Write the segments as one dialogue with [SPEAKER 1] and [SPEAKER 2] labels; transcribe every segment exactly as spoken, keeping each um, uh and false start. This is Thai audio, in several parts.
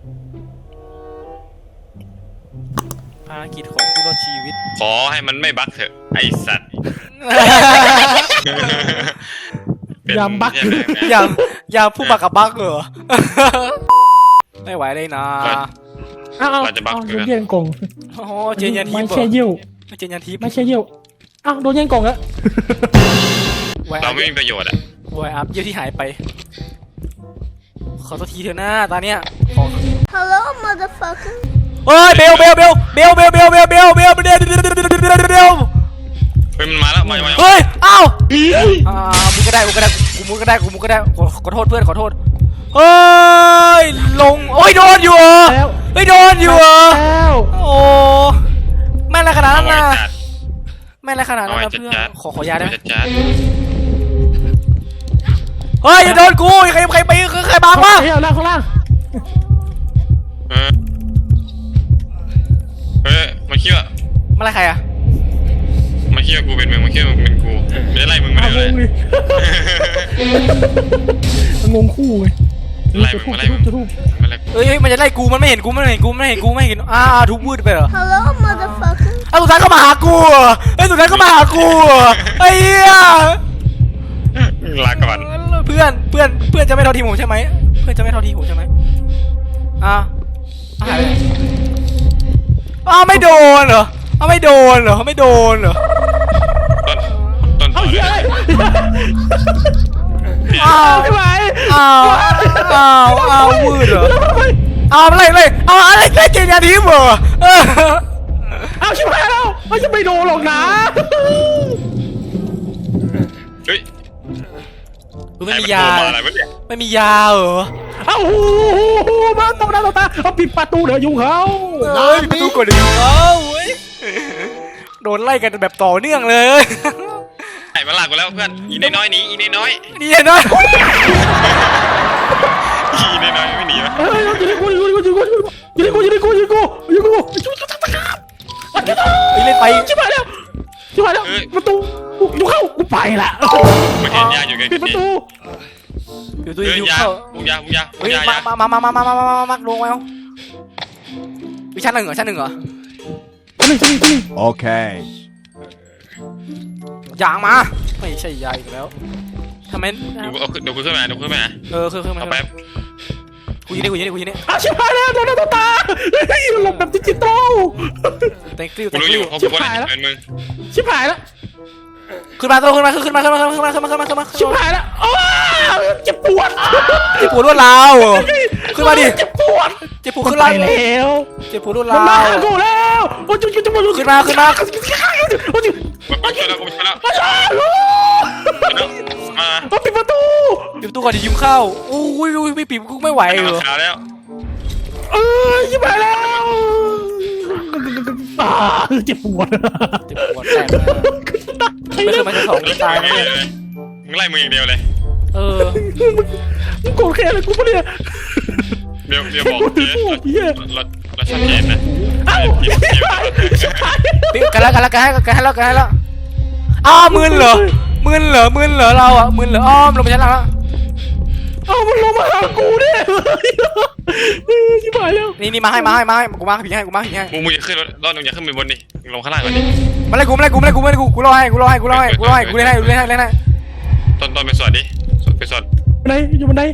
[SPEAKER 1] ภารกิจของผู้รอดชีวิต
[SPEAKER 2] ขอให้มันไม่บั๊กเถอะไอสัตว์
[SPEAKER 3] ยามบั๊ก
[SPEAKER 1] ยามยามผู้บักกับบักเหรอไม่ไหวเลยนะ
[SPEAKER 3] อ้าวอ้าวโดนแย่งกล่อง
[SPEAKER 1] โอ้เจนยันทิพย์
[SPEAKER 3] ไม่ใช่เยี่ยว
[SPEAKER 1] ไม่เจนยันทิพย์
[SPEAKER 3] ไม่ใช่เยี่ยวอ้าวโดนแย่งกล่องแล้ว
[SPEAKER 2] เราไม่มีประโยชน์อ่ะ
[SPEAKER 1] วายอัพเยี่ยวที่หายไปขอตัวทีเถอะหน้าตาเนี้ย
[SPEAKER 4] Hello motherfucker
[SPEAKER 1] เฮ้ยเบลเบลเบลเบลเบลเบลเบลเบลเบลเบลเบลเบล
[SPEAKER 2] เฮ้ยมันมาแล้วมามา
[SPEAKER 1] เฮ้ยอ้าวอ่ามึงก็ได้มึงก็ได้กูมึงก็ได้กูมึงก็ได้ขอโทษเพื่อนขอโทษเฮ้ยลงโอ้ยโดนอยู่เหรอเฮ้ยโดนอยู่เหรอโอ้ไม่อะไรขนาดนั้นนะไม่อะไรขนาดนั้นนะเพื่อนขอขอยาได้ไหมเฮ้ยอย่าโดนกูใครใครไปใครบังวะ
[SPEAKER 3] เฮ้ยเอาล่างข้างล่าง
[SPEAKER 2] เฮ้ยมาเคี่ยว
[SPEAKER 1] มาอะไรใครอะ
[SPEAKER 2] มาเคี่ยวกูเป็นมึงมาเคี่ยวมึงเป็นกูไม่ได้ไล่มึงไม่ได้เลย
[SPEAKER 3] งงคู่ไง
[SPEAKER 2] ไล่มึงมาไล่มึง
[SPEAKER 1] เฮ้ยมันจะไล่กูมันไม่เห็นกูมันไม่เห็นกูไม่เห็นกูไม่เห็นอ่าทุบวืดไปเหรอ
[SPEAKER 4] Hello motherfucker
[SPEAKER 1] ไอ้สุดท้ายก็มาหากูไอ้สุดท้ายก็มาหากูไอ้เหี้ย
[SPEAKER 2] ลาก่อน
[SPEAKER 1] เพื่อนเพื่อนเพื่อนจะไม่ทอดทีผมใช่ไหมเพื่อนจะไม่ทอดทีผมใช่ไหมอ่ะหายไปอ้าวไม่โดนเหรออ้าวไม่โดนเหรอไม่โดนเหรอ
[SPEAKER 2] ต้นต้นต่อเลย
[SPEAKER 1] อ้าว
[SPEAKER 3] ไม่ไหว
[SPEAKER 1] อ้าวอ้าวอ้าววืดเหรออ้าวอะไรเลยอ้าวอะไรแค่เกณฑ์ยาทิพย์เหรอ
[SPEAKER 3] อ้าวชิบหายแล้วไม่จะไม่โดนหรอกนะ
[SPEAKER 2] เฮ้ย
[SPEAKER 1] ไม่มียาไม่มียาเหรอ
[SPEAKER 3] เอ้ามาตรงหน้าตรงตาเอาปิดประตูเดี๋ยวยุ่งเขา
[SPEAKER 1] เฮ้ยประตูก่อนเดี๋ยวยุ่งเขาโดนไล่กันแบบต่อเนื่องเลย
[SPEAKER 2] ไอ้มาหลักกูแล้วเพื่อนอีน้อยหนีอีน้อย
[SPEAKER 1] นี่น้อย
[SPEAKER 2] อีน้อยไม่หนีวะ
[SPEAKER 3] เฮ้ยอยู่ในกูอยู่ในกูอยู่ในกูอยู่ในกูอยู่ในกูอยู่ในกูอยู่ในกู
[SPEAKER 1] เล่นไป
[SPEAKER 3] ชิบหายแล้วชิบหายแล้วประตูยุ่งเข้ากูไปละ
[SPEAKER 2] มันเห็นยาอยู่ไง
[SPEAKER 3] ปิดประตู
[SPEAKER 1] อยู่ตัวอยู่เข้า
[SPEAKER 2] บุกยาบุกยาบุกยา
[SPEAKER 1] มามามามามามามามามาลงมาวิชั้นหนึ่งเหรอชั้นหนึ่งเหรอ
[SPEAKER 3] ชั้นหนึ่งชั้นหนึ่งชั้นหนึ่ง
[SPEAKER 5] โอเค
[SPEAKER 1] ยางมาไม่ใช่ยาอีกแล้วทำไม
[SPEAKER 2] เดี๋ยวกูขึ้นมาเดี๋ยวกูขึ้นมา
[SPEAKER 1] เออขึ้นขึ้นมาแป๊บกูยิงได้กูยิงได้กูยิงได้
[SPEAKER 3] อ้าวชิบหายแล้วโดนตัวตาเฮ้ยหลบแบบดิจิตอล
[SPEAKER 1] แต่งกิ้ว
[SPEAKER 2] แต่งกิ้วชิบหายแล้ว
[SPEAKER 3] ชิบหายแล้ว
[SPEAKER 1] ขึ้นมาตัวขึ้นมาขึ้นมาขึ้นมาขึ้นมาขึ้นมาขึ้นมาขึ้นมา
[SPEAKER 3] ชิบหายแล้วโอ้เจ็บปวด
[SPEAKER 1] เจ็บปวดรวดร้าวขึ้นมาดิ
[SPEAKER 3] เจ็บปวด
[SPEAKER 1] เจ็บปวดขึ้นแล้วเจ็บปวดรวดร้าว
[SPEAKER 3] มากูแล้วโอ้ยจุ๊บจุ๊บ
[SPEAKER 1] ขึ้นมาขึ้นมา
[SPEAKER 2] โอ้ยมาช่วยแล้วกูช่วยแล้ว
[SPEAKER 3] มาช่วยมาปิดประตู
[SPEAKER 1] ปิดประตูก่อนดิยุ่งเข้าโอ้ยไม่ปิดกูไม่ไหวเหรอ
[SPEAKER 2] แล้ว
[SPEAKER 3] เออชิบหายแล้วเจ็บปวด
[SPEAKER 1] เจ็บปวดแสบไม่เคยมาจะสองตายเลย
[SPEAKER 2] มึงไล่มึงอย่างเดียวเลย
[SPEAKER 1] เออ
[SPEAKER 3] มึงโกรธแค่อะไรกูปะเนี่ย
[SPEAKER 2] เดี๋ยวเดี๋ยวบอกเจ๊เราเราชัดเจนนะ
[SPEAKER 1] อ้าวกันแล้วกันแล้วกันให้กันให้แล้วกันให้แล้วอ้าวมึนเหรอมึนเหรอมึนเหรอเราอ่ะมึนเหรออ้อมลงไปชั้นล่างแล้ว
[SPEAKER 3] อ้าวมันลงมาหากูเนี่ยชิบหายแล้ว
[SPEAKER 1] นี่นี่มาให้มาให้มาให้กูมาผีให้กูมาผีให้
[SPEAKER 2] มึงมึงอย่าขึ้นรอดมึงอย่าขึ้นไปบนดิลงข้างล่างก่อนดิ
[SPEAKER 1] มาเลยกูมาเลยกูมาเลยกูมาเลยกูกูรอให้กูรอให้กูรอให้กูรอให้กูเล่นให้กูเล่นให้เล่นให้
[SPEAKER 2] ต้นต้นไปสวดดิสวดไปสวด
[SPEAKER 3] บันไดอยู่บันได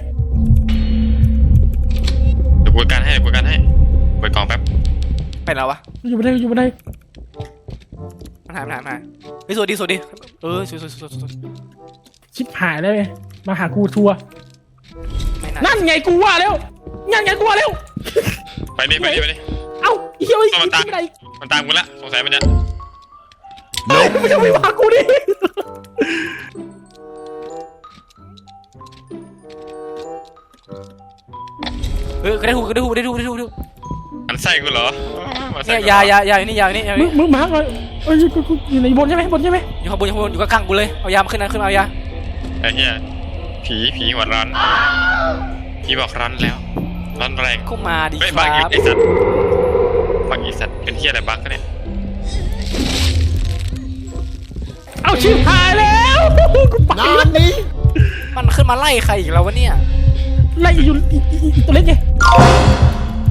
[SPEAKER 2] เดี๋ยวกูการให้กูการให้ไปกองแป๊บ
[SPEAKER 1] เป็นแล้ววะ
[SPEAKER 3] อยู่บันไดอยู่บันได
[SPEAKER 1] มันหายมันหายมันหายเฮ้ยสวดดิสวดดิเออสวดสวดสวดสวด
[SPEAKER 3] ชิบหายเลยมาหากูทัวร์นั่นไงกูว่าแล้วนั่นไงกูว่าแล้ว
[SPEAKER 2] ไปดิไปดิไปดิ
[SPEAKER 3] เอ้าเฮีย
[SPEAKER 2] มันตามมันตามกูละสงสัยมันจะ
[SPEAKER 3] มันจะไม่มากูดิ
[SPEAKER 1] เฮ้ยได้ถูกได้ถูกได้ถูกได้ถูกได้ถูก
[SPEAKER 2] มันใส่กูเหรอ
[SPEAKER 1] เนี่ยยายายาอยู่นี่ยาอยู่นี่
[SPEAKER 3] มึงมึงมาก่อนเอ้ยกูอยู่ในบนใช่ไหมบนใช่ไหม
[SPEAKER 1] อยู่ข้างบนอยู่ข้างบนอยู่ข้างกูเลยเอายามาขึ้นนะขึ้นเอายา
[SPEAKER 2] ไอ้เหี้ยผีผีหัวร้อนผีบอกร้อนแล้วร้อนแรง
[SPEAKER 1] ก็มาดิ
[SPEAKER 2] ครับบักอีสัตว์บักอีสัตว์เป็นเหี้ยอะไรบักกันเนี่ย
[SPEAKER 3] เอาชิบหายแล้ว
[SPEAKER 1] นานนี้มันขึ้นมาไล่ใครอีกแล้ววะเนี่ย
[SPEAKER 3] ไล่อยู่ตัวเล็กไง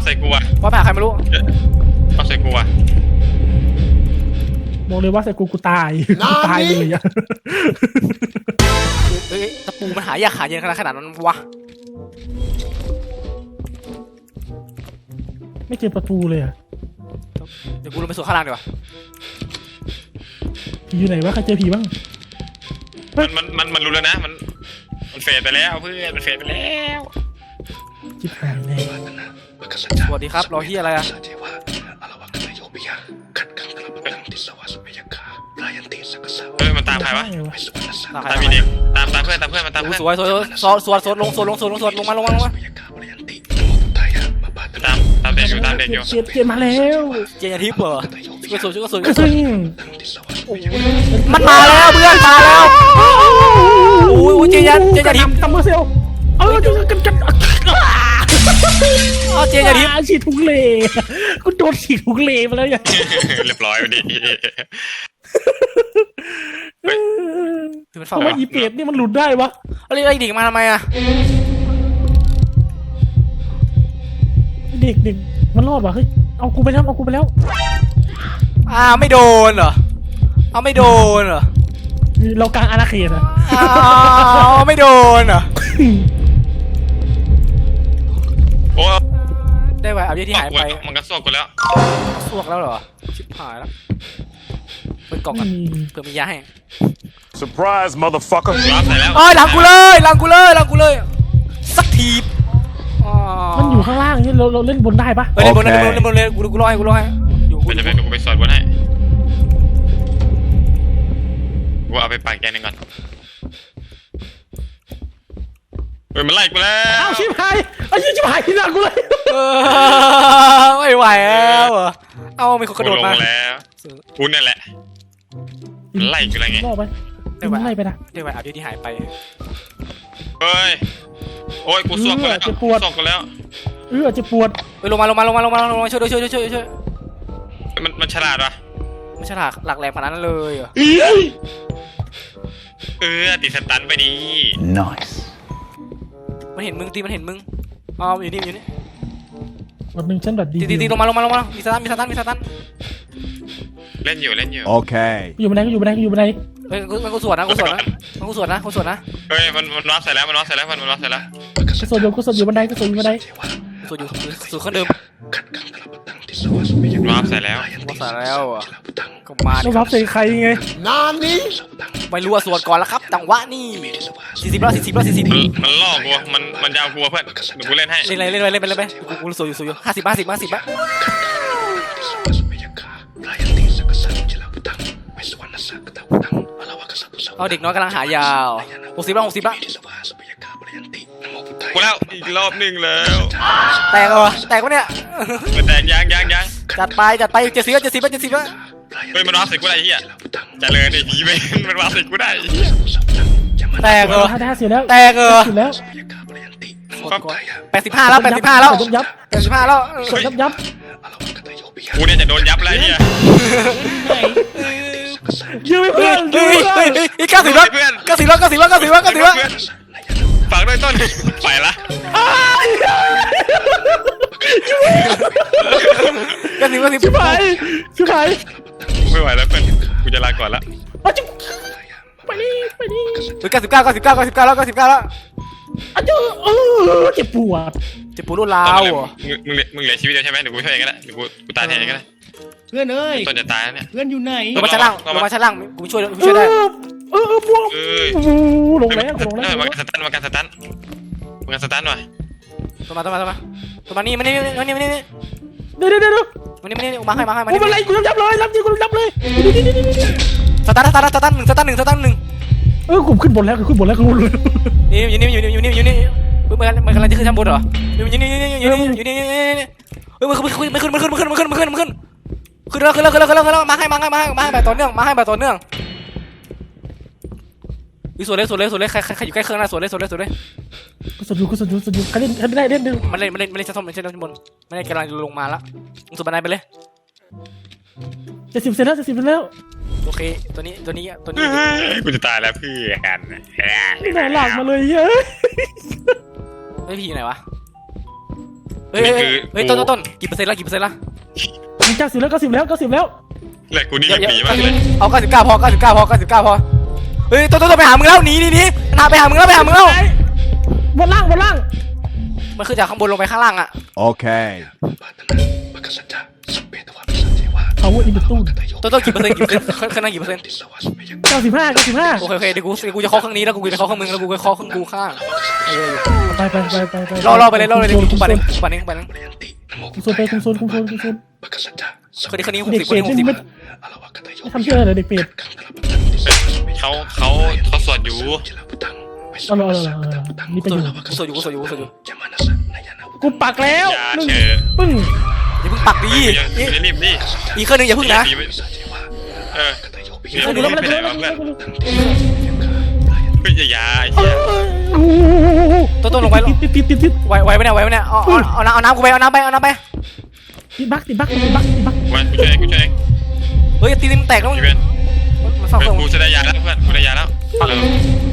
[SPEAKER 2] ส่กูอ่ะ
[SPEAKER 1] ว่าไปหาใครไม่รู้
[SPEAKER 2] เอาใส่กูอ่ะ
[SPEAKER 3] บอกเลยว่าใส่กูกูตายกูตายเลยอะ
[SPEAKER 1] เอ้ยตะปูมันหายากหาเย็นขนาดขนาดนั้นวะ
[SPEAKER 3] ไม่เจอประตูเลยอะ
[SPEAKER 1] เดี๋ยวกูลงไปสวนข้างล่างดีกว่า
[SPEAKER 3] ผีอยู่ไหนวะใครเจอผีบ้าง
[SPEAKER 2] มันมันมันมันรู้แล้วนะมันมันเฟดไปแล้วเพื่อนมันเฟดไปแล้ว
[SPEAKER 3] จิบหายเลย
[SPEAKER 1] สวัสดีครับรอที่อะไรอะ
[SPEAKER 2] เฮ้ยมันตามใครวะ
[SPEAKER 1] ตามใคร
[SPEAKER 2] ตามมีเด็กตามตามเพื่อนตามเพื่อนมันตามเพื่อน
[SPEAKER 1] สวยสวยสวยสวยสวยลงสวยลงสวยลงสวยลงมาลงมาลงมา
[SPEAKER 2] ตามตามเด็กอยู่ตามเด็กอยู่
[SPEAKER 3] เจ็บเจ็บมาแล้ว
[SPEAKER 1] เจนยาทิพย์เหรอช่วยสวยช่วยสวย
[SPEAKER 3] กระซิง
[SPEAKER 1] มันมาแล้วเพื่อนมาแล้วโอ้ยเจนยาเจนยาทิพย์
[SPEAKER 3] ตำมือเซลเออจะกันกัน
[SPEAKER 1] อ๋อเจนยาทิพย์
[SPEAKER 3] ฉีดทุกเลกูโดนฉีดทุกเลมาแล้วอย่าง
[SPEAKER 2] เรียบร้อยไปดิ
[SPEAKER 1] คือมัน
[SPEAKER 3] ทำ
[SPEAKER 1] เฝ้า
[SPEAKER 3] ไมอีเป็ดนี่มันหลุดได้วะ
[SPEAKER 1] เอาเรียกไอ้ดิ่งมาทำไมอะ
[SPEAKER 3] เด็กเด็กมันรอดวะเฮ้ยเอากูไปแล้วเอากูไปแล้ว
[SPEAKER 1] อ้าวไม่โดนเหรอเอาไม่โดนเหรอ
[SPEAKER 3] เรากลางอาณาเขตอะ
[SPEAKER 1] อ้าวไม่โดนเหรอ
[SPEAKER 2] โอ้
[SPEAKER 1] ได้ไว้เอาเยอะที่หายไป
[SPEAKER 2] มันก็สวกกูแล้ว
[SPEAKER 1] สวกแล้วเหรอชิบหายแล้วเปิดกล่องกันเผื่อมียาให้
[SPEAKER 5] Surprise, motherfucker.
[SPEAKER 2] รับใส่แล้ว
[SPEAKER 1] เอ้ยหลังกูเลยหลังกูเลยหลังกูเลยสักทีอ๋อ
[SPEAKER 3] มันอยู่ข้างล่างนี่เราเราเล่นบนได้ปะ
[SPEAKER 1] เฮ้ยเล่นบนเล่นบนเล่นบนเลยกูกูรอให้กูรอให้อยู่กู
[SPEAKER 2] มันจะเป็นกูไปสอดบนให้กูเอาไปปากแกนึงก่อนเฮ้ยมันไล่กูแล้ว
[SPEAKER 3] อ้าวชิบหายไอ้ยี่ชิบหายที่หน้ากูเลย
[SPEAKER 1] เออไม่ไหวแล้วเหรอเอามีคนกระโดด
[SPEAKER 2] ล
[SPEAKER 1] มาง
[SPEAKER 2] แล้วกูนั่นแหละมันไล่กูอะไรไง
[SPEAKER 3] ล่อไปมันไล่ไปนะ
[SPEAKER 1] ได้ไว้เอาเยอะที่หายไป
[SPEAKER 2] เฮ้ยโอ้ยกูสวกกูแล้วสวกกูแล้ว
[SPEAKER 3] เออจะปวด
[SPEAKER 1] เฮ้ยลงมาลงมาลงมาลงมาลงมาช่วยด้วยช่วยด้วยช่วยด้วยช่วย
[SPEAKER 2] มันมันฉลาดวะ
[SPEAKER 1] ไม่ใช่หลักหลักแหลมขนาดนั้นเลยเหรอ
[SPEAKER 2] เออติดสตันไปดี
[SPEAKER 5] Nice.
[SPEAKER 1] มันเห็นมึงตีมันเห็นมึงอ๋ออยู่นี่อยู่นี่
[SPEAKER 3] วันหนึ่งฉันแบบดี
[SPEAKER 1] ตีตีตีลงมาลงมาลงมามีสตันมีสตันมีสตัน
[SPEAKER 2] เล่นอยู่เล่นอยู่
[SPEAKER 5] Okay.
[SPEAKER 3] อยู่บันไดก็อยู่บันไดก็อยู่บันได
[SPEAKER 1] เฮ้ยมันกูสวนนะกูสวนนะมันกูสวนนะกูสวนนะ
[SPEAKER 2] เฮ้ยมันมันรับใส่แล้วมันรับใส่แล้วมันมันรับใส่แล้ว
[SPEAKER 3] ก็สดอยู่ก็สดอยู่บันไดก็สดอยู่บันได
[SPEAKER 1] สวนอยู่สวนเครื่องเดิม
[SPEAKER 2] รับใส่แล้ว
[SPEAKER 1] กูสวนแล้วอ่ะก็มาดิ
[SPEAKER 3] ต้องรับใส่ใครไง
[SPEAKER 1] ไม่รู้ว่าสวนก่อนแล้วครับจังหวะนี่สี่สิบแล้วสี่สิบแล้วสี่สิบ
[SPEAKER 2] มันมันล่อกูมันมันยาวกูเพื่อนเดี๋ยวกูเล่นให้
[SPEAKER 1] เล่นอะไรเล่นอะไรเล่นไปเล่นไปกูกูสวนอยู่สวนอยู่ห้าสิบห้าสิบห้าสิบอะ เอาเด็กน้อยกำลังหายาวหกสิบแล้วหกสิบแล้ว
[SPEAKER 2] กูแล้วอีกรอบหนึ่งแล้ว
[SPEAKER 1] แตกเหรอแตกวะเนี่ย
[SPEAKER 2] มันแตกยังยังยัง
[SPEAKER 1] จัดไปจัดไปเจ็ดสิบแล้วเจ็ดสิบแล้วเจ็ดสิบแล้ว
[SPEAKER 2] เฮ้ยมันรับใส่กูได้เฮียเจริญไอ้ผีไปมันรับใส่กูได้
[SPEAKER 1] แตกเหรอ
[SPEAKER 3] ถ้าได้เสียแล้ว
[SPEAKER 1] แตกเหรอ
[SPEAKER 3] เสียแล้ว
[SPEAKER 1] แปดสิบห้าแล้วแปดสิบห้าแล้ว
[SPEAKER 3] ยับยับ
[SPEAKER 1] แปดสิบห้าแล้ว
[SPEAKER 3] กดยับยับ
[SPEAKER 2] กูเนี่ยจะโดนยับแล้วเฮีย
[SPEAKER 3] ยืมไป
[SPEAKER 1] เฮ้
[SPEAKER 3] เพื่
[SPEAKER 1] ย
[SPEAKER 3] อนยื
[SPEAKER 1] เฮ้
[SPEAKER 3] ม
[SPEAKER 1] ย
[SPEAKER 3] ไป
[SPEAKER 1] เฮ้ยเฮ้ยเก้าสิบแล้วเก้าสิบแล้วเก้าสิบแล้วเก้าสิบแล้วเก้าสิบแล้วเก้าสิบแล้ว
[SPEAKER 2] ฝากด้วยต้นไปละ
[SPEAKER 1] เก้าสิบเก้าสิบ
[SPEAKER 3] ชิบหายชิบหาย
[SPEAKER 2] ไม่ไหวแล้วเพื่อนกูจะลาก่อนละ
[SPEAKER 3] อาจุไปนี่ไปนี่
[SPEAKER 1] เฮ้ยเก้าสิบเก้าเก้าสิบเก้าเก้าสิบเก้าแล้วเก้าสิบเก้าแล้ว
[SPEAKER 3] อาจุเออเจ็บปวด
[SPEAKER 1] เจ็บปวดรุนแรงเหรอ
[SPEAKER 2] มึงมึงมึงเหลือชีวิตเดียวใช่ไหมเดี๋ยวกูช่วยเองก็ได้เดี๋ยวกูกูตายแทนเองก็ได้
[SPEAKER 6] เพื่อนเอ้ย
[SPEAKER 2] ต้นจะตายแล้วเนี่ย
[SPEAKER 6] เพื่อนอยู่ไหน
[SPEAKER 1] ลงมาชั้นล่างลงมาชั้นล่างกูช่วยกู
[SPEAKER 3] เอ
[SPEAKER 1] ช่วยได้
[SPEAKER 3] อเออเออบวม
[SPEAKER 2] เอ้ย
[SPEAKER 3] ลงแล้วลงแล้ว
[SPEAKER 2] มากันสตันมากันสตันมากันสตันหน่อย
[SPEAKER 1] ตัวมาตัวมาตัวมาตัวมานี่มานี่มานี่มานี่มานี่
[SPEAKER 3] เดี๋ยวเดี๋ยวเดี๋ยว
[SPEAKER 1] มานี่มานี่มาให้มาให้มา
[SPEAKER 3] กู
[SPEAKER 1] นี่
[SPEAKER 3] เป็นไรกูยับเลยยับจริงกูยับเลย
[SPEAKER 1] สตาร์ทสตาร์ทสตาร์ทหนึ่งสตาร์ทหนึ่งสตาร์ทหนึ่ง
[SPEAKER 3] เออกูขึ้นบนแล้วกูขึ้นบนแล้วกูรู้เลย
[SPEAKER 1] นี่อยู่นี่อยู่นี่อยู่นี่อยู่นี่มันมันกำลังจะขึ้นชั้นบนเหรออยู่นี่อยู่นี่อยู่นี่อยู่นี่เฮ้ยมันขึ้นมันขึ้นมันขึ้นมันขึ้นมันขึ้นมันขึ้นมันขึ้นขึ้นแล้วขึ้นแล้วขึ้นแล้วขึ้นแล้วขึ้นแล้วมาให้มาให้มาให้มาให้แบบต่อเนื่องมาให้แบบต่อเนื่องวิสวนเลยสวนเลยสวนเลยใครใครอยู่ใกล้เครื่องนะสวนเลยสวนเลยสวนเลย
[SPEAKER 3] กูสดอยู่กูสดอยู่สดอยู่ใครเล่นใครไม่ได้เล่นดู
[SPEAKER 1] มันเล่นมันเล่นมันเล่นชั้นบนชั้นบนมันเล่นกำลังลงมาละมึงสวนบันไดไปเลย
[SPEAKER 3] เจ็ดสิบเสร็จแล้วเจ็ดสิบเสร็จแล้ว
[SPEAKER 1] โอเคตัวนี้ตัวนี้ตัวนี้
[SPEAKER 2] กูจะตายแล้วเพื่อน
[SPEAKER 3] ไม่ได้หลักมาเลยเฮ้ย
[SPEAKER 1] ไอ้พี่อยู่ไหนวะเฮ้ยเฮ้ยเฮ้ยเฮ้ยต้นต้นต้นกี่เปอร์เซ็นต์ละกี่เปอร์เซ็นต์ละ
[SPEAKER 3] มึงเก้าสิบแล้วเก้าสิบแล้วเก้าสิบแล้ว
[SPEAKER 2] แหละกูนี่เล่นผีมากเลย
[SPEAKER 1] เอาเก้าสิบเก้าพอเก้าสิบเก้าพอเก้าสิบเก้าพอเฮ้ยต้นต้นต้นไปหามึงแล้วหนีหนีหนีนาไปหามึงแล้วไปหามึงแล้ว
[SPEAKER 3] บนล่างบนล่าง
[SPEAKER 1] มันคือจากข้างบนลงไปข้างล่างอะ
[SPEAKER 5] Okay.
[SPEAKER 3] เอาอินดิตู้
[SPEAKER 1] ต้นต้นกี่เปอร์เซ็นต์กี่เปอร์เซ็นต์ข้างหน้ากี่เปอร์เซ็นต์
[SPEAKER 3] เก้าสิบห้าเก้าสิบห้า
[SPEAKER 1] โอเคโอเคเดี๋ยวกูเดี๋ยวกูจะเคาะข้างนี้แล้วกูจะเคาะข้างมึงแล้วกูจะเคาะข้างกูข้างเออ
[SPEAKER 3] ไปไปไปไปไป
[SPEAKER 1] รอรอไปเลยรอเลยเดี๋ยวกูปั่นเองกูปั่นเองปั่นเอง
[SPEAKER 3] คุมโซนไปคุมโซนคุมโซนคุมโซน
[SPEAKER 1] คนนี้คนนี้หก
[SPEAKER 3] เด็ก
[SPEAKER 1] สิบค
[SPEAKER 3] เปร
[SPEAKER 1] น
[SPEAKER 3] ต
[SPEAKER 1] นี้หกสิบ
[SPEAKER 3] ไม่ไม่ทำเชื่อเลยเด็กเปรต
[SPEAKER 2] เขาเขาเขาสวดอยู่
[SPEAKER 3] เอาเลยเอาเลยเอาเลยนี่ไปอยู่
[SPEAKER 1] กูสวดอยู่กูสวดอยู่กูสวดอยู่
[SPEAKER 3] กูปักแล้ว
[SPEAKER 2] อย่า
[SPEAKER 3] หนึ่ง
[SPEAKER 2] เชอ
[SPEAKER 3] ปึ้ง
[SPEAKER 1] อย่าเพิ่งปักดี
[SPEAKER 2] ไม่จะรีบดิ
[SPEAKER 1] อีกเครื่องนึงอย่าเพิ่งนะ
[SPEAKER 2] เออ
[SPEAKER 3] เออดูแล้วมัน
[SPEAKER 2] ไป
[SPEAKER 3] ดู
[SPEAKER 2] ไหน
[SPEAKER 3] แล้ว
[SPEAKER 2] วะ
[SPEAKER 3] มัน
[SPEAKER 2] เพื่อน
[SPEAKER 3] ดูแล้ว
[SPEAKER 2] เฮ้ยอย่าไอ้
[SPEAKER 3] เอ
[SPEAKER 2] เหี้ย
[SPEAKER 3] อ
[SPEAKER 1] ต้นต้นลงไป
[SPEAKER 3] ติดติดติดติด
[SPEAKER 1] ไหวไหวไหมเนี่ยไหวไหมเนี่ยเอาเอาเอาน้ำเอาน้ำกูไปเอาน้ำไปเอาน้ำไป
[SPEAKER 3] ติดบักติดบักติดบักติดบัก
[SPEAKER 2] มากูช่วยเองกูช่วยเอง
[SPEAKER 1] เฮ้ยตีนมันแตกแล้วมึง
[SPEAKER 2] พี่เพื่อน
[SPEAKER 1] มันฟัง
[SPEAKER 2] เพื่
[SPEAKER 1] เพื่
[SPEAKER 2] อ
[SPEAKER 1] อน น
[SPEAKER 2] กูจะได้ยาแล้วเพื่อนกูได้ยาแล้วเร็ว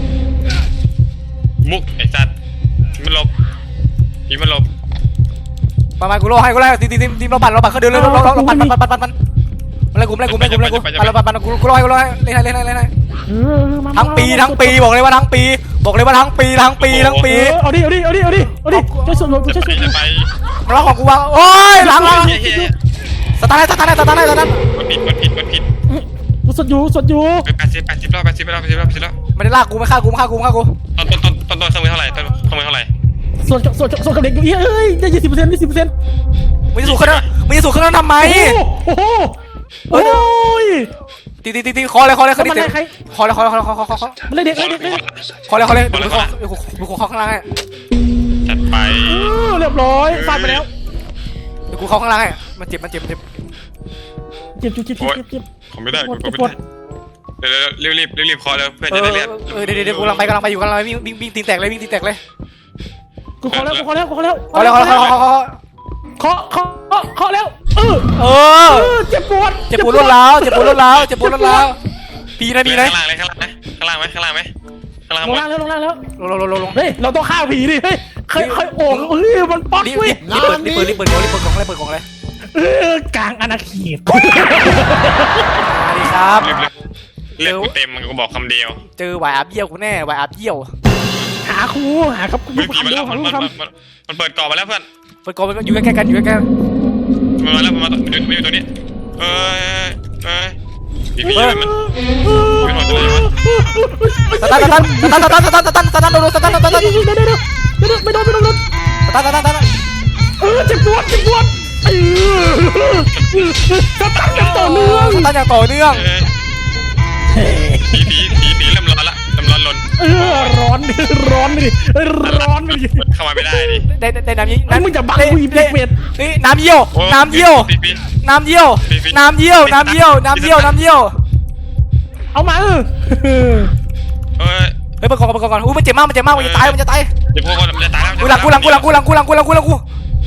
[SPEAKER 2] มุกไอ้สัตว์มันหลบผีมันหลบ
[SPEAKER 1] มามากูรอให้กูรอให้ตีนตีนตีนเราปั่นเราปั่นเขาเดินเลยเราเราเราปั่นปั่นปั่นปั่นปั่นอะไรกูอะไรกูอะไรกูอะไรกูอะไรปั่นปั่นกูกูรอให้กูรอให้เล่นให้เล่นให้เล่นให้
[SPEAKER 3] เออมา
[SPEAKER 1] ทั้งปีทั้งปีบอกเลยว่าทั้งปีบอกเลยว่าทั้งปีทั้งปีทั้งปี
[SPEAKER 3] เออเอาดิเอาดิเอาดิเอาดิเอาดิช่วยส่วนรถ
[SPEAKER 2] จะ
[SPEAKER 3] ช่วย
[SPEAKER 2] ไป
[SPEAKER 3] ส่วนร
[SPEAKER 2] จะ
[SPEAKER 3] ถ
[SPEAKER 2] ไป
[SPEAKER 1] มาล็อกของกูวางโอ้ยหลังหลัง
[SPEAKER 2] เฮ้ยเฮ้ยเฮ้ย
[SPEAKER 1] สตาร์ทสตาร์ทสตาร์ทสตาร์ท
[SPEAKER 2] กดผิดกดผิดกดผิด
[SPEAKER 3] กูสดอยู่สดอยู่
[SPEAKER 2] ไปแปดสิบแปดสิบรอบแปดสิบรอบแปดสิบรอบแปดสิบรอบ
[SPEAKER 1] ไม่ได้ลากกูไม่ฆ่ากูไม่ฆ่ากูไม่ฆ่ากู
[SPEAKER 2] ต้นต้นต้นต้นต้นเครื่องมือเท่าไหร่ต้นเครื่องมือเท่าไหร่
[SPEAKER 3] ส่วนส่วนส่วนกับเด็กอยู่เอ้ยได้ยี่สิบเปอร์เซ็นต์ยี่สิบเปอร์เซ็นต์
[SPEAKER 1] มึงจะสูงขึ้นมึงจะสูงขึ้นแล้วทำไม
[SPEAKER 3] โอ้โหโอ้ย
[SPEAKER 1] ตีตีตีตีคอเลยคอเลยคอ
[SPEAKER 3] มัน
[SPEAKER 1] เลย
[SPEAKER 3] ไล่ใคร
[SPEAKER 1] คอเลยคอเลยคอเลยคอคอคอ
[SPEAKER 3] มันไล่เด็กไล่เด็กไล่เด็ก
[SPEAKER 1] คอเลยคอเลยดูคอดูคอข้างล่างให้
[SPEAKER 2] จัดไป
[SPEAKER 3] เรียบร้อยฟาดไปแล้ว
[SPEAKER 1] ดูกูเข้าข้างล่างให้มันเจ็บมันเจ็บมันเจ็บ
[SPEAKER 3] เจ็บจุ๊บเจ็บเจ็บเจ็บ
[SPEAKER 2] ผมไม่ได้กูไม่ได้เดี๋ยวรีบรีบรีบรีบคอเลยเพื่อน
[SPEAKER 1] เอ
[SPEAKER 2] จะ
[SPEAKER 1] อ
[SPEAKER 2] ได้เรียบ
[SPEAKER 1] เออเดี๋ยวเดี๋ยวกูกำลังไปกำลังไปอยู่กำลังไปวิ่งวิ่งวิ่งตีนแตกเลยวิ่งตีนแตกเลย
[SPEAKER 3] กูขอแล้วกูขอแล้วกูขอแล้ว
[SPEAKER 1] คอเลยคอเลยคอเลยคอ
[SPEAKER 3] ขอขอขอแล้วเออ
[SPEAKER 1] เออ
[SPEAKER 3] เจ็บปวด
[SPEAKER 1] เจ็บปวดรวดร้าวเจ็บปวดรวดร้าวเจ็บปวดรวดร้าวปีนะปีนะ
[SPEAKER 2] ข้างล่างเลยข้างล่างไหมข้างล่างไหมข้างล่างไหมข้างล่าง
[SPEAKER 3] ล
[SPEAKER 2] หม
[SPEAKER 3] ง
[SPEAKER 2] ด
[SPEAKER 3] ล่างแล้วลงล่างแล้ว
[SPEAKER 1] ลงลงลงลงลง
[SPEAKER 3] เฮ้ยเราต้องฆ่าผีดิเฮ้ยเคยเคยโอ่งเฮ้ยมันป๊อก
[SPEAKER 1] รีบ
[SPEAKER 3] เว้ย
[SPEAKER 1] รีบเปิดรีบเปิดรีบเปิดรีบเปิดกล่องรีบเปิดกล่องเลย
[SPEAKER 3] เออกลางอาณาเขต
[SPEAKER 1] สวัสดีครับ
[SPEAKER 2] รีบเรียกกูเต็มมันก็บอกคำเดียว
[SPEAKER 1] เจอวายอัพเยี่ยวกูแน่วายอัพเยี่ยว
[SPEAKER 3] หาครูหาครับครู
[SPEAKER 2] เฮ้ยผี
[SPEAKER 3] คำ
[SPEAKER 2] มา
[SPEAKER 3] เดีย
[SPEAKER 2] แล้ว ว
[SPEAKER 3] หา
[SPEAKER 2] มัน
[SPEAKER 3] ลูก
[SPEAKER 2] มัน
[SPEAKER 3] ค
[SPEAKER 2] มันมันเปิดกรอบมาแล้วเพื่อน
[SPEAKER 1] เปิดกล่องอยู่ใกล้ๆกันอยู่ใกล้ๆกัน
[SPEAKER 2] มันมาแล้วมันมาตัวมันอยู่ตัวนี้เอ้ยเอ้ยผีผีมัน ไม่หมดเลยวะ
[SPEAKER 1] สตันสตันสตันสตันสตันสตันสตันโดนสตันสตันสตัน
[SPEAKER 3] เดี๋ยวเดี๋ยวเดี๋ยวเดี๋ยวไม่โดนไม่โดนไม่โดน
[SPEAKER 1] สตันสตันสตัน
[SPEAKER 3] เออเจ็บปวดเจ็บปวดเออสตันอย่างต่อเนื่อง
[SPEAKER 1] สตันอย่างต่อเนื่อง
[SPEAKER 2] ผีผีผีผีเริ่มร้อนละเริ่มร้อนลน
[SPEAKER 3] เออร้อนดิร้อนดิร้อนดิ
[SPEAKER 2] เข้ามาไม่ได้ดิ
[SPEAKER 1] ได้ได้น้ำยี่
[SPEAKER 3] ไอ้มึงจะบังกูอีเป็ดเป็ด
[SPEAKER 1] เฮ้ยน้ำเยี่ยวน้ำเยี่ยว
[SPEAKER 2] ผีผี
[SPEAKER 1] น้ำเยี่ยวน้ำเยี่ยวน้ำเยี่ยวน้ำเยี่ยวน้ำเยี่ยว
[SPEAKER 3] เอามาเออ
[SPEAKER 2] เอ้ย
[SPEAKER 1] เฮ้ยเปิดกล่องเปิดกล่องก่อนอุ้ยมันเจ็บมากมันเจ็บมากมันจะตายมันจะตาย
[SPEAKER 2] เดี๋ยวพวกมันจะตายแล้ว
[SPEAKER 1] กูหลังกูหลังกูหลังกูหลังกูหลังกูหลังกูหลังกู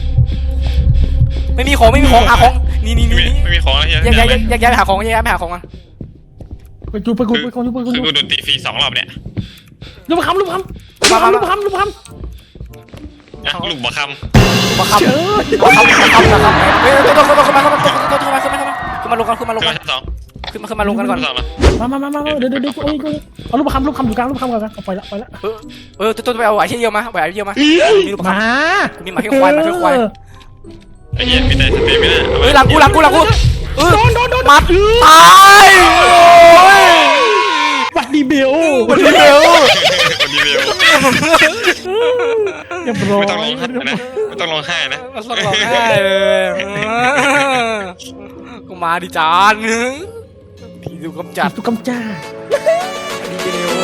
[SPEAKER 1] ไม่มีของไม่มีของหาของนี่นี่
[SPEAKER 2] ไม่
[SPEAKER 1] นี่
[SPEAKER 2] มีไม่มีของแล้วเฮีย
[SPEAKER 1] แยกย้ายแยกย้ายไปหาของแยกย้ายไปหาของกัน
[SPEAKER 3] ไปกูไปกูไปกูไปกู
[SPEAKER 2] คือกูโดนตีฟรีสองรอบเนี่ย
[SPEAKER 3] ลูกคำลูกคำลูกคำลูกคำลูกคำ
[SPEAKER 2] นะลูกบัวค
[SPEAKER 1] มาคำ
[SPEAKER 3] เจอ
[SPEAKER 1] มาคำมาคำมาคำเฮ้ยตัวตัวขึ้นมาขึ้นมาขึ้นมาขึ้นมาขึ้นมาขึ้นมาลงกันขึ้นมาล
[SPEAKER 2] ำ
[SPEAKER 1] ง
[SPEAKER 2] ขึ้น
[SPEAKER 1] กั
[SPEAKER 2] มาน ชั้นสอง
[SPEAKER 1] ขึ้นมาขึ้นมาลงกันก่อน
[SPEAKER 2] ชั้นสองแล้ว
[SPEAKER 3] มามามามาเดี๋ยวเดี๋ยวเดี๋ยวโอ้ยเอาลูกคำลูกคำอยู่กลางลูกคำก่อนไปละไปละ
[SPEAKER 1] เออเออตัวตัวไปเอาไหวเชี่ยวมาไหวเชี่ยวมามีลูก
[SPEAKER 3] มา
[SPEAKER 1] มีหมาเขี้ยวควายหมาเขี้ยวควาย
[SPEAKER 2] ไอ้เหี้ยมีแต่สเตมิน่า
[SPEAKER 1] เฮ้ยหลังกูหลังกูหลังกูเออ
[SPEAKER 3] โดนโดนโดน
[SPEAKER 1] มัดตายโอ้ย
[SPEAKER 3] วัดดีเบล
[SPEAKER 1] วันนี้เร็ว
[SPEAKER 2] คนดีเดียว
[SPEAKER 3] เรียบร้อย
[SPEAKER 2] ไม่ต้องร้องไห้นะไม่ต้องร้องไห้นะ
[SPEAKER 1] มันสลองได้เลยกูมาดิจานผีดูกำจัด
[SPEAKER 3] ตุกกำจ้า
[SPEAKER 1] ดีเร็ว